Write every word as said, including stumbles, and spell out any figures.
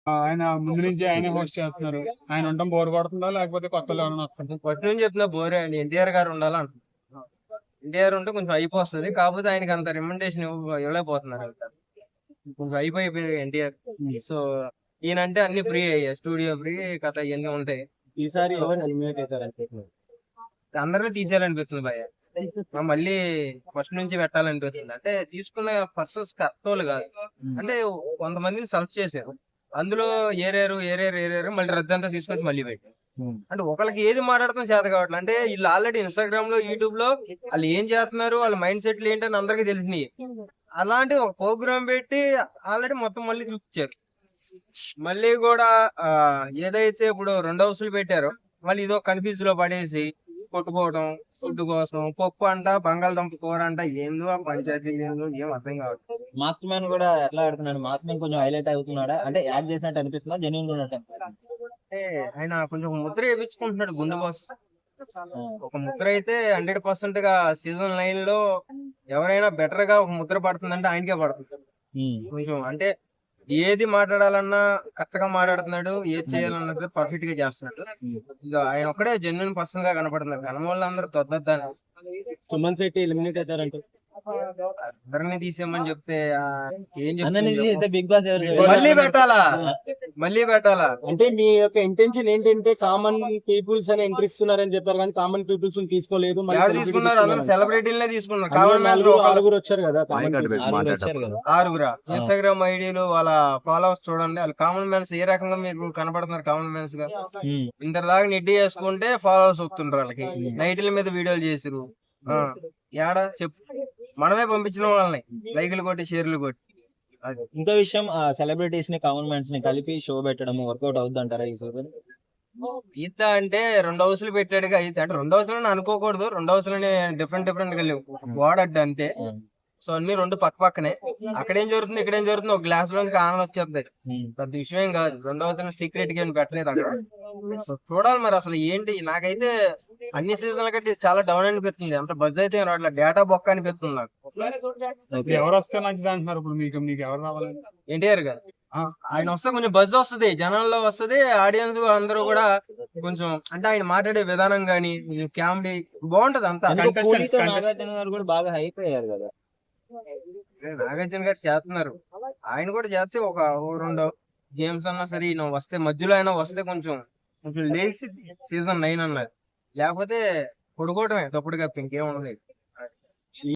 ఆయన ముందు నుంచి ఆయనే హోస్ట్ చేస్తున్నారు. ఆయన ఉండడం బోర్ కొడుతుందా లేకపోతే కొత్తలో ఎవరైనా వస్తుందా? ఫస్ట్ నుంచి చెప్తున్నా బోరే అండి. ఎన్టీఆర్ గారు ఉండాలంట. ఎన్టీఆర్ ఉంటే కొంచెం హైప్ వస్తుంది. కాకపోతే ఆయనకి అంత రికమెండేషన్ ఇవ్వలేకపోతున్నారు. కొంచెం హైప్ అయిపోయింది ఎన్టీఆర్. సో ఈయనంటే అన్ని ఫ్రీ అయ్యాయి. స్టూడియో ఫ్రీ, కథ ఇవన్నీ ఉంటాయి. ఈసారి ఎవరు ఎలిమినేట్ అవుతారు? అందరినీ తీసేయాలనిపిస్తుంది భయ. మళ్ళీ ఫస్ట్ నుంచి పెట్టాలనిపిస్తుంది. అంటే తీసుకున్న పర్సన్స్ కరెక్టోళ్ళు కాదు. అంటే కొంతమందిని సెలెక్ట్ చేశారు, అందులో ఏరేరు ఏరేరు ఏరేరు మళ్ళీ రద్దంతా తీసుకొచ్చి మళ్ళీ పెట్టారు. అంటే ఒకళ్ళకి ఏది మాట్లాడతాం చేత కావట్లేదు. అంటే వీళ్ళు ఆల్రెడీ ఇన్స్టాగ్రామ్ లో, యూట్యూబ్ లో వాళ్ళు ఏం చేస్తున్నారు, వాళ్ళ మైండ్ సెట్లు ఏంటని అందరికీ తెలిసినాయి. అలాంటి ఒక ప్రోగ్రామ్ పెట్టి ఆల్రెడీ మొత్తం మళ్ళీ చూపించారు. మళ్ళీ కూడా ఆ ఏదైతే ఇప్పుడు రెండు హౌసులు పెట్టారో మళ్ళీ ఇదో కన్ఫ్యూజ్ లో పడేసి కొట్టుకోవడం, ఫుడ్ కోసం పప్పు అంట, బంగాళదుంప కూర అంట, ఏందో ఆ పంచాయతీ ఏందో ఏం అర్థం కావట్లేదు. మాస్టర్ మ్యాన్ కూడా ఎట్లా ఆడుతున్నాడు? మాస్టర్ మ్యాన్ కొంచెం హైలైట్ అవుతున్నాడా? అంటే యాక్ట్ చేసినట్టు అనిపిస్తుందా, జెన్యున్ ఉన్నట్టు? అంటే ఆయన కొంచెం ముద్ర వేయించుకుంటున్నాడు గుండు బాస్. ఒక ముద్ర అయితే హండ్రెడ్ పర్సెంట్ గా సీజన్ నైన్ లో ఎవరైనా బెటర్ గా ఒక ముద్ర పడుతుందంటే ఆయనకే పడుతుంది. కొంచెం అంటే ఏది మాట్లాడాలన్నా కరెక్ట్ గా మాట్లాడుతున్నాడు, ఏది చేయాలన్నది పర్ఫెక్ట్ గా చేస్తున్నాడు. ఇక ఆయన ఒక్కడే జెన్యున్ పర్సన్ గా కనపడుతున్నారు. కనవాళ్ళు అందరూ తొద్దద్దాని సుమన్ శెట్టి ఎలిమినేట్ అవుతారంటే అందరినీ తీసేయమని చెప్తే ఆ, ఏం అందరినీ చెప్తుంది? తీసేస్తే బిగ్ బాస్ ఎవరు? మళ్ళీ పెట్టాలా మళ్ళీ పెట్టాలా అంటే మీ యొక్క ఇంటెన్షన్ ఏంటంటే కామన్ పీపుల్స్ అని ఎంట్రీ ఇస్తున్నారని చెప్పారు, కానీ కామన్ పీపుల్స్ తీసుకోలేదు. మళ్ళీ ఎవరు celebrity తీసుకున్నారు? అందరూ తీసుకున్నారు. సెలబ్రిటీలనే తీసుకున్నారు. అందులో కామన్ మ్యాన్ నలుగురు ఆరుగురు వచ్చారు కదా కామన్ people. ఆరుగురు వచ్చారు కదా. ఆరుగురా ఇన్స్టాగ్రామ్ ఐడీలు వాళ్ళ ఫాలోవర్స్ చూడండి. వాళ్ళు కామన్ మ్యాన్స్ ఏ రకంగా మీకు కనపడుతున్నారు? కామన్ మ్యాన్స్ గా ఉమ్. ఇంత దాకా నెట్టి చేసుకుంటే ఫాలోవర్స్ వస్తుంటారు వాళ్ళకి. నైట్ల మీద వీడియోలు చేసిరు. ఆ, ఏడా చెప్పు, మనమే పంపించిన వాళ్ళని లైకులు కొట్టి షేర్లు కొట్టి. ఇంకో విషయం, సెలబ్రిటీస్ ని కామన్ మ్యాన్స్ ని కలిపి షో పెట్టడం వర్కౌట్ అవుద్ది అంటారా ఈ సీజన్? ఈత అంటే రెండు హౌసులు పెట్టాడుగా ఈత అంటే రెండు హౌసులని అనుకోకూడదు. రెండు హౌసులని డిఫరెంట్ డిఫరెంట్ గా లేవు, వాడడ్డు అంతే. సో అన్ని రెండు పక్క పక్కనే. అక్కడేం జరుగుతుంది, ఇక్కడేం జరుగుతుంది, ఒక గ్లాస్ లోంచి ఆనలు వచ్చేస్తాయి. పెద్ద విషయం ఏం కాదు. రెండు హౌసులు సీక్రెట్ గా పెట్టలేదు అక్కడ. సో చూడాలి మరి అసలు ఏంటి. నాకైతే అన్ని సీజన్ల కంటే చాలా డౌన్ అనిపిస్తుంది. అంత బజ్ అయితే రావట్లేదు, డేటా బొక్క అనిపిస్తుంది నాకు. ఎవరు వస్తే మంచిది అంటున్నారు ఇప్పుడు? మీకు మీకు ఎవరు రావాలని? ఎన్టీఆర్ గారు ఆయన వస్తే కొంచెం బజ్ వస్తుంది, జనాల్లో వస్తుంది. ఆడియన్స్ అందరూ కూడా కొంచెం అంటే ఆయన మాట్లాడే విధానం గానీ, కామెడీ బాగుంటది అంతా. అందులో పూరితో నాగార్జున గారు కూడా బాగా హైప్ అయ్యారు కదా. నాగార్జున గారు చేస్తున్నారు, ఆయన కూడా చేస్తే ఒక ఓ రెండు గేమ్స్ అన్నా సరే ఈయన వస్తే, మధ్యలో అయినా వస్తే కొంచెం కొంచెం లేచి సీజన్ నైన్ అన్నది. లేకపోతే పడుకోవటమే తప్పుడు కప్ప ఇంకేం ఉండదు.